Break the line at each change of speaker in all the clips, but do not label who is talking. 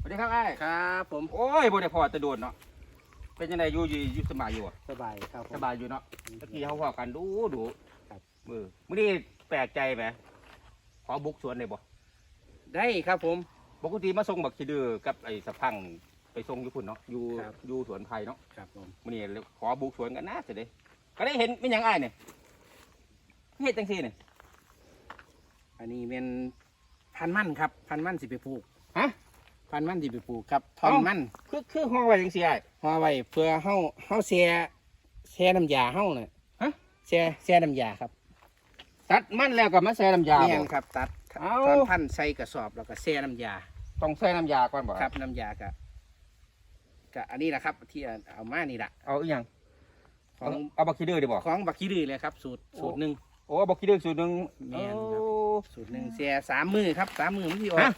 สวัสดีครับไอ้
ครับผม
โอ้ยบ่ได้พอจะโดนเนาะเป็นยังไงอยู่สบายอยู่อะ
สบายครับผม
สบายอยู่เนาะตะกี้เขาพอกันดู
ครับ
มื้อนี้แปลกใจไหมขอบุกสวนได้บ่
ได้ครับผม
ปกติมาส่งบักขี้ดื้อกับไอ้สะพังไปส่งอยู่พุ่นเนาะอยู่
ครับ
อยู่สวนไผ่เนาะ
ครับผม
มื้อนี้ขอบุกสวนกันนะสิเด้ก็ได้เห็นเป็นหยังอ้ายเนี่ยเฮ็ดจังซี่เนี่ย
อันนี้เป็นพันธุ์มันครับพันธุ์มันสิไปปลูก
ฮะ
พันธุ์มันสิไปปลูกครับท่อนมัน
คือห่อไว้จังซี่อ้าย
ห่อไว้เพื่อเฮาแช่น้ำยาเฮาน่ะ
ฮะ
แช่น้ำยาครับ
ตัดมันแล้วก็มาใส่น้ำยา
แม่
บ่
นครับตัด
เอ้า
ท่อนพันธุ์ใส่กระสอบแล้วก็แช่น้ำยา
ต้องใส่น้ำยาก่อนบ่
ครับน้ำยากะอันนี้แหละครับที่เอามานี่แหละ
เอาอีหยัง
ของ
เอาบักขี้ดื้อดิบ่
ของบักขี้ดื้อเลยครับสูตรหนึ่ง
โอ้บักขี้ดื้อสูตรหนึง
แม่นครับ
โอ้
สูตรหนึ่งแช่3 มื้อครับ3 มื้อมันสิออก
ฮะ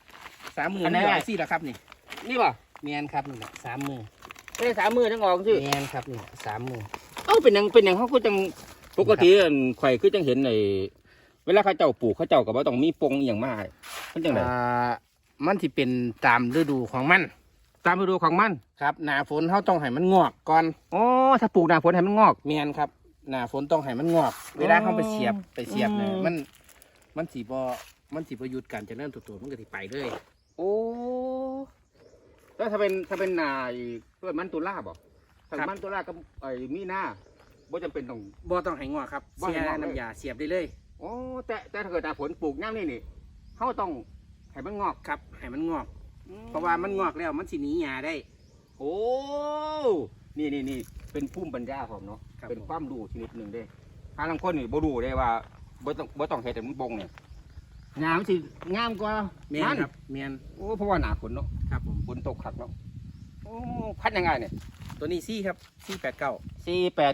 3 มื้อ
อั
มัน น
ไหน
สิอ
อะ
อกสิล่ะครับนี่
นี่ป่ะ
แม่นครับนี่แหละ3 มื้อ
ไม่ได้3 มือทั้งออกสิ
แม่นครับนี่3 มื้อ
เอ้าเป็นหยังเขาก็จังปกติอันข่อยคือจังเห็นในเวลาเขาเจ้าปลูกเขาเจ้าก็บ่ต้องมีปงอหย่างมากมันจังได
มันที่เป็นตามฤดูของมัน
ตามฤดูของมัน
ครับหน้าฝนเขาต้องให้มันงอกก่อน
อ๋อถ้าปลูกหน้าฝนให้มันงอก
แม่นครับหน้าฝนต้องให้มันงอก เวลาเขาไปเสียบเนี่ย
อืม
มันสีบ่หยุดการเจริญเติบโตมันก็สิไปเลย
โอ้แล้วถ้าเป็นนาเพื่อมันตุลาบ่ถ้ามันตุลากับไอ้มีนาบ่จำเป็นต้อง
บ่ต้องให้งอกครับ
บ่ให้
เสีย
งอกเลย
น้ำยาเสียบได้เลย
อ๋อแต่ถ้าเกิดหน้าฝนปลูกย่างนี่เขาต้องให้มันงอก
ครับให้มันงอก เพราะว่ามันงอกแล้วมันสิหนีหญ้าได้
โอ้นี่เป็นภูมิปัญญาผมเนาะ
ครับ
เป็นความรู้ชนิดหนึ่งเด้ทางลางคนนี่บ่รู้ได้ว่าบ่ต้องเฮ็ดให้มันบงเนี่ยงามสิงามกว่า
แม่น
มัน
ครับแม่น
โอ้เพราะว่าหนาฝนเนาะ
ครับผม
ฝนตกขักเนาะโอ้พัดยังไงเนี่ย
ตัวนี้ซี่ครับ489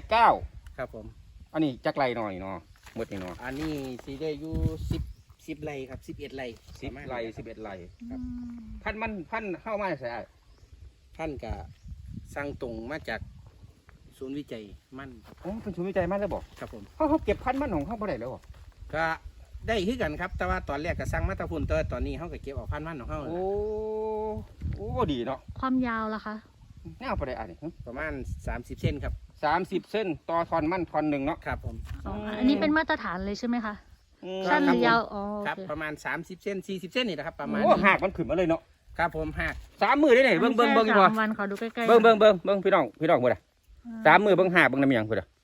489
ครับผม
อันนี้จักไรหน่อยเนาะหมดนี่เนาะ
อันนี้สิได้อยู่10ไร่ครับ11ไร่
10 ไร่11 ไร่
ครับ
พันเข้ามาใส่
ท่านก็สั่งตรงมาจากศูนย์วิจัยมั่นครับ
โอ้เป็นศูนย์วิจัยมันแล้วบอก
ครับผม
เขาเก็บพันธุ์มันของเขาบ่ได้แล้วบ่
ก็ได้คือกันครับ แต่ว่าตอนแรกก็สั่งมาแตะพุ่นแต่ว่าตอนนี้เขาก็เก็บเออกพันธุ์มันของเขา
โอ้โอ้ดีเนาะ
ความยาวล่ะคะ
แนวบ่ได้อันนี้
ประมาณ30 เซนครับ
30 เส้นต่อทอนมันทอนหนึ่งเนาะ
ครับผม
อันนี้เป็นมาตรฐานเลยใช่ไหมคะ
อืม
สั้นหรือยาวอ๋อ
ครับ
โอเค
ประมาณ30 เซน40 เซนนี่นะครับประมาณ
โอ้
นี้
หากมันขึ้นมาเลยเนาะ
ครับผมหัก
3 มือได้ไหนเบิ่ง
แค่
อยู่บ่
สามวันขอดูใกล้ๆ
เบิ่งพี่น้องเบิ่งอ่ะ3 มือเบิ่งหากเบิ่งน้ำหยังเพิ่นอ่ะ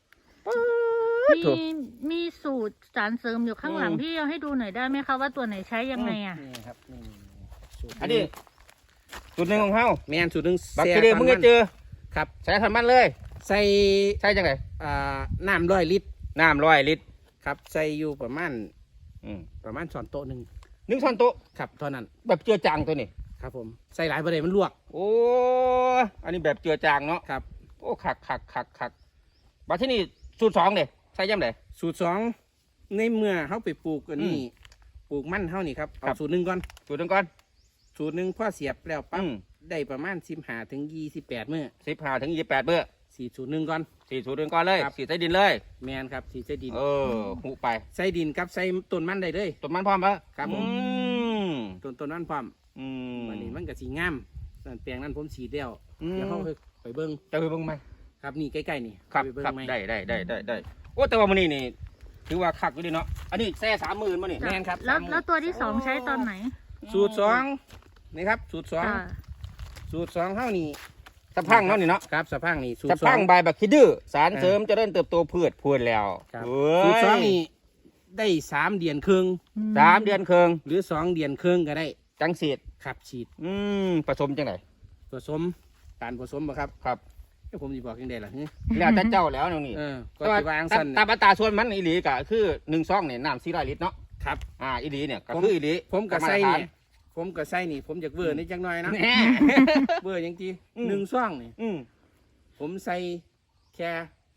มีสูตรสารเสริมอยู่ข้างหลัง
อืม
พี่เอาให้ดูหน่อยได้ไหมคะว่าตัวไหนใช้ยังไงอ่ะ
นี่ครับนี่สูตร
อันนี้จุดหนึ่งของเฮา
แมนสูตรหนึ่ง
บักทีเดียวมึงจะเจอ
ครับ
ใส่ทอนมันเลย
ใส่
ใส่จังได
น้ำ100 ลิตร
น้ำ100 ลิตร
ครับใส่อยู่ประมาณ
อืม
ช้อนโต๊ะหนึ่ง
1 ช้อนโต๊ะ
ครับเท่านั้น
แบบเจือจางตัวนี้
ครับผมใส่หลายประเดี๋ยวมันลวก
โอ้อันนี้แบบเจือจางเนาะ
ครับ
โอ้คักบัดที่นี่สูตร2เด้ใส่ยามใด
สูตร2ในเมื่อเขาไปปลูกอันนี้
อืม
ปลูกมันเขานี่ครับ
ครั
เอา
บ
สูตรหนึ่งก่อน
สูตรหนึงก่อน
สูตรหนึ่งพ่อเสียบแล้วปั๊บ
อืม
ได้ประมาณ15 ถึง 28 มื้อ
15 ถึง 28เบื่อ
สีสูตรหนึ่งก่อน
สีสูตรหนึงก่อนเลย
ครับ
สีใส่ดินเลย
แมนครับสีใส่ดิน
เออหูไป
ใส่ดินกับใส่ต้นมันได้เลย
ต้นมันพร้อมปะ
ครับผม
อืม
ต้นมันพร้อม
อืม
วันนี้มันก็สีงามนั่นแปลงนั้นผมฉีดแล้ว
อืม
เดี๋ยวเขาไปเบิ้ง
จะไปเบิ่งไหม
ครับนี่ใกล้ๆนี่
ครับ
ไปเบิ้ง
ครับ
ไหม
ได้โอ้แต่ว่ามันนี่ถือว่าคักอยู่ดีเนาะอันนี้แซ่30,000มานี่
แมนครับ
แล้ว
30,000
แล้วตัวที่สองใช้ตอนไหน
สูตร2นี่ครับสูตร
จ้ะ
2สูตร2เท่านี้
สะพังเนาะนี่เนาะ
ครับสะพังนี่สูต
สะ
ร
พัง
2
ใบบักคิดดื้อสารเสริมเจะเริ่มเติบโตพืชพูดแล้ว
ครับ
เว้ย
สูตร2นี่ได้3 เดือนครึ่ง
3 เดือนครึ่ง
หรือ2 เดือนครึ่งก็ได้
จังสีด
ครับฉีด
ผสมจังไหน
ผสมการผสมบ่ครับ
ครับ
เอ้ยผมจะบอกยังไงล่ะฮะ
แล้วแต่เจ้าแล้วนี่
ก็
แต่ว่า
จะวางสั้น
ตามอัตราส่วนมันอีหลีก็คือ1 ซองเนี่ยน้ำ400 ลิตรเนาะ
ครับ
อีหลีเนี่ยก็คืออีหลี
ผมกับไส้
มาตรฐา
เนี่ยผมกับไส้นี่ ผมอยากเวอร์นิดจังหน่อยนะ
แหน่
เวอร์ยังจี
อืม
1 ซ่องนี่
อืม
ผมใส่แค่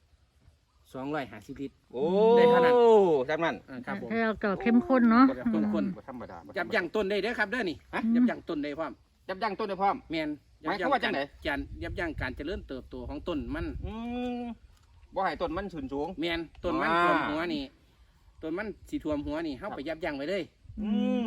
250 ลิตร
โอ้
ได้เท่านั้น
จำนั้น
ครับผม
ให้เราเกิดเข้มข้นเนาะ
เข้มข้น
บ่ธรรมดา
จับยั้งต้นได้เด้อครับเด้อนี่
ฮะ
ยับยั้งต้นได้พร้อม
ยับยั้งต้นได้พร้อม
แมน
หมายความว่าจังไหน
ยับยั้งการเจริญเติบโตของต้นมัน
บ่ให้ต้นมันสูงสูง
แมนต้นมัน
อ่า
ท่วมหัวนี่ต้นมันสีท่วมหัวนี่เข้าไปยับยั้งไว้เลย
อืม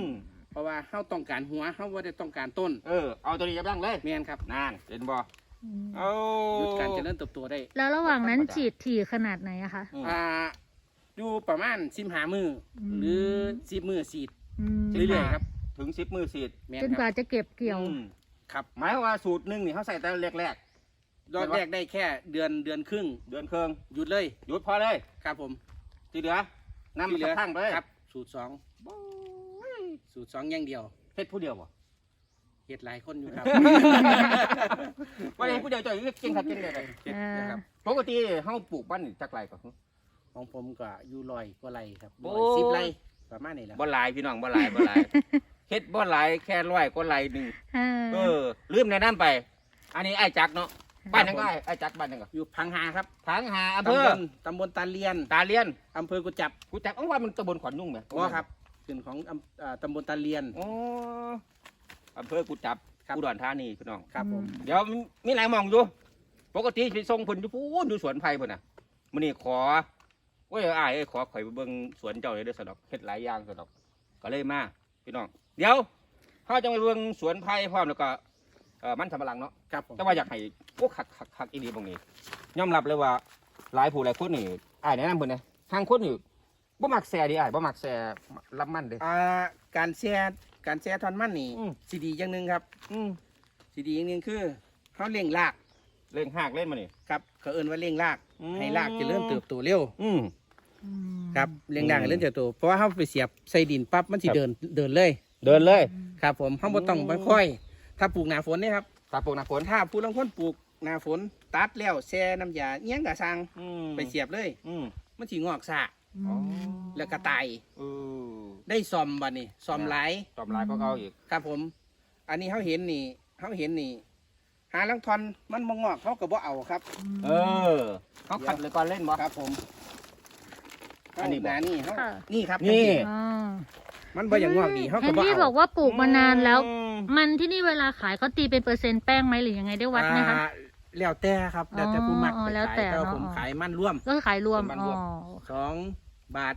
เพราะว่าเฮาต้องการหัวเฮาบ่ได้ต้องการต้น
เอาตัวนี้ยับยั้งเลย
แม่นครับ
นั่นเห็นบ่
อืม
เอา
หยุดการเจริญเติบโตได้
แล้วระหว่างนั้นฉีดถี่ขนาดไหนอะคะ
อ่าอยู่ประมาณ15มื้ออ
ม
หรือ10มื้อฉีด
อืม
เรื่อยๆครับ
ถึง10 มือสีด
แม่น
จน
ค
กว่า
รับ
จะเก็บเกี่ยว
ครับ
หมายความว่าสูตรหนึ่งนี่เขาใส่แต่แรก
ยอดแรกได้แค่เดือนครึ่ง
ๆเดือนครึ่ง
หยุดเลย
หยุดพอเลย
ครับผม
ที่เหลือนำ
ที่
มา
เหลือ
ทั้งไปเลย
ครับสูตร2สูตร2อย่างเดียว
เฮ็ดผู้เดียวบ่
เฮ็ดหลายคนอยู่ครับ
ว่าเฮ็ดผู้เดียวจ่อยเก่งครับเก่งเลย
เฮ็ดนะครับ
ปกติเฮาปลูกบ้านนี่จักไรก่อน
ของผมก็อยู่100กว่าไร่ครับ
โอ้
110ไร่ประมาณนี้แหละ
บ่หลายพี่น้องบ่หลายบ่หลายเฮ็ดบ่หลายแค่100กว่าไรหนึงลืมแนะนำไป อันนี้ไอ้จักเนาะบ้านยังไงไอ้จักบ้านยังก็
อยู่พังหาครับ
ทางหาอำเภอ
ตำบลตาเลียน
ตาเลียน
อำเภอกุจับ
กูจักว่ามันตำบลขอนนุ่งไหม
อ๋อครับขึ้นของตำบลตาเลียน
อ๋ออำเภอกูจับ
ครับ
อุดรธานีพี่น้อง
ครับผม
เดี๋ยวมีหลายหมองอยู่ ปกติสิส่งเพิ่นอยู่พูนอยู่สวนไผ่พุ่นน่ะมื้อนี้ขอโอ้ยอ้ายเอ้ยขอข่อยไปเบิ่งสวนเจ้าเลยเด้อสะดอกเฮ็ดหลายอย่างสะดอกก็เลยมาพี่น้อง เดี๋ยวเฮาจะไปเบิ่งสวนไผ่พร้อมแล้วก็มันสำปะหลังเนาะ
ครับผม
แต่ว่าอยากให้โอ้คักอีหลีตรงนี้ยอมรับเลยว่าหลายผู้หลายคนนี่อ้ายแนะนำเพิ่นนะทางคนนี่บ่มักแซ่ดิอ้ายบ่มักแซ่รับมันเด้
การแช่ทอนมันนี่
อืม
สีดีอย่างหนึ่งครับ
อืม
สีดีอย่างหนึ่งคือเขาเลี้ยงราก
เล่งหากเล่นมานี่
ครับเขาเอิ้นว่าเลี้ยงราก
อืม
ให้รากเจะเริ่มเติบโตเร็ว
อืม
ครับเลี้ยงรากให้เริ่มเติบโตเพราะว่าเขาไปเสียบใส่ดินปั๊บมันสิ
ครับ
เดินเลย
เดินเลย
ครับผมเขาบ่ต้องไปค่อย ถ้าปลูกหน้าฝนเนี่ยครับ
ตาปลูกหน้าฝน
ถ้าผู้ลางคนปลูกหน้าฝนตัดแล้วแช่น้ำยาเอี้ยงกะซัง
อืม
ไปเสียบเลย
อืม
มันสิงอกซะ
อ๋อ
แล้วก็ตาย
เออ
ได้ซ่อมบัดนี้ซ่อมหลาย
ตอมลายก็เอาอีก
ครับผม อันนี้เขาเห็นนี่หาลังทอนมันมงอกเขาก็บ่เอาครับ
เออเขาขัดเลยก่อนเล่นบ่
ครับผม
อันนี้บ่
หานี่เขา
ค่ะ
นี่ครับ
นี่
อ๋อ
มันบ่อย่างงอกดีเขา
เห็
ก็
น
บ่
ที่บ
เอา
อกว่าปลูกมานานแล้ว
อืม
มันที่นี่เวลาขายเขาตีเป็นเปอร์เซ็นต์แป้งไหมหรือยังไงได้วัดไหมคะ
แล้วแต่ครับแล้วแต่ผู้มัก
อ๋อ
ไป
แล้ว
ขาย
แต่
แต่ว่า
เนาะ
ผมขายมันร่วม
ก็ขายรวม
เป็นมัน
อ๋
ร
อ
วม
2 บาท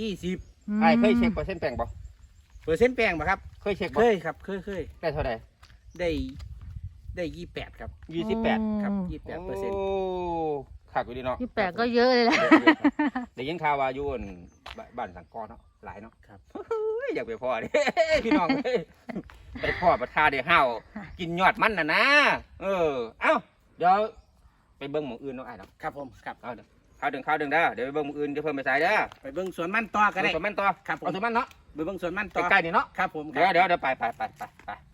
20
ไอ้เคยเช็คเปอร์เซ็นต์แปลงบ่
เปอร์เซ็นต์แป้งป่ะครับ
เคยเช็ค
เค
บ่
ยครับเคย
ได้เท่าไหร่
ได้28ครับ
28
ครับ
โอ้
28%
ขาดไปดีเนาะ
28ก็เยอะเลยแหละ
ได้ยินข่าวว่าอยู่อั่นบ้านสังกอเนาะหลายเนาะ
ครับ
เฮ้ยอยากไปพ่อดิ พี่น้องเอ้ยไปพ่อประทาเดี๋ยวห้าวกินยอดมันน่ะนะเอ้าเดี๋ยวไปเบิ่งหมู่อื่นเนาะไอ้เนาะ
ครับผมครับ
เอาเด้อข้าวดึงเด้อเดี๋ยวไปเบิ่งหมู่อื่นเดี๋ยวเพิ่มไปใส่เด้อ
ไปเบิ่งสวนมันต่อก็ได้
เอาสวนมันต่อ
ครับผม
เอาสวนมันเนาะ
ไปเบิ่งสวนมันต่อ
ใกล้ๆนี่เนาะ
ครับผม
เดี๋ยวไป